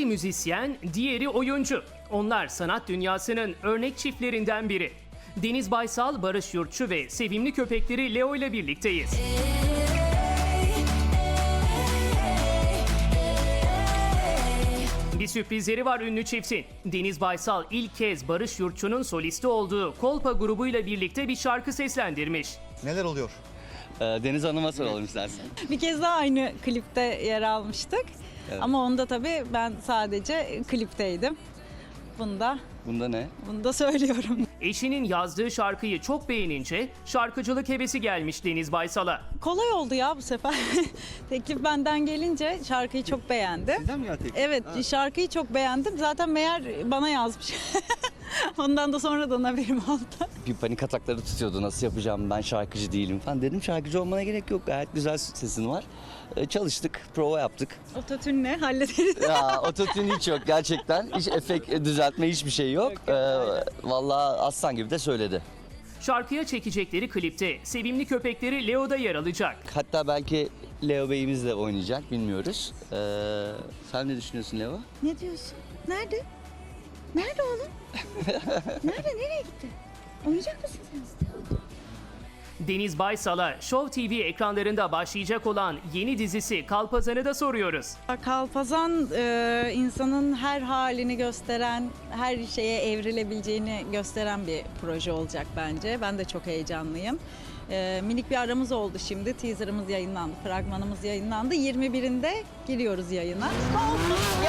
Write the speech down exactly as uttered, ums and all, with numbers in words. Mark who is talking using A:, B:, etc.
A: Biri müzisyen, diğeri oyuncu. Onlar sanat dünyasının örnek çiftlerinden biri. Deniz Baysal, Barış Yurtçu ve sevimli köpekleri Leo ile birlikteyiz. Bir sürprizleri var ünlü çiftin. Deniz Baysal ilk kez Barış Yurtçu'nun solisti olduğu Kolpa grubuyla birlikte bir şarkı seslendirmiş.
B: Neler oluyor?
C: Ee, Deniz Hanım'a soralım istersen.
D: Bir kez daha aynı klipte yer almıştık.
C: Evet.
D: Ama onda tabii ben sadece klipteydim. Bunda,
C: Bunda ne?
D: bunda söylüyorum.
A: Eşinin yazdığı şarkıyı çok beğenince şarkıcılık hevesi gelmiş Deniz Baysal'a.
D: Kolay oldu ya bu sefer. Teklif benden gelince şarkıyı çok beğendim.
B: Sizden mi ya teklif?
D: Evet,
B: Ha.
D: şarkıyı çok beğendim. Zaten meğer bana yazmış. Ondan da sonradan haberim oldu.
C: Bir panik atakları tutuyordu. Nasıl yapacağım, ben şarkıcı değilim falan. Dedim şarkıcı olmana gerek yok. Gayet güzel sesin var. Ee, çalıştık, prova yaptık.
D: Ototünle hallederiz.
C: Ya ototune hiç yok gerçekten. Hiç efekt düzeltme hiçbir şey yok.
D: Yok, yok,
C: Ee,
D: aynen.
C: vallahi aslan gibi de söyledi.
A: Şarkıya çekecekleri klipte sevimli köpekleri Leo'da yer alacak.
C: Hatta belki Leo Bey'imiz de oynayacak, bilmiyoruz. Ee, sen ne düşünüyorsun Leo?
E: Ne diyorsun? Nerede? Nerede oğlum? Nerede? Nereye gitti? Oynayacak mısın sen?
A: Deniz Baysal'a Show T V ekranlarında başlayacak olan yeni dizisi Kalpazan'ı da soruyoruz.
D: Kalpazan e, insanın her halini gösteren, her şeye evrilebileceğini gösteren bir proje olacak bence. Ben de çok heyecanlıyım. E, minik bir aramız oldu şimdi. Teaserımız yayınlandı, fragmanımız yayınlandı. yirmi birinde giriyoruz yayına.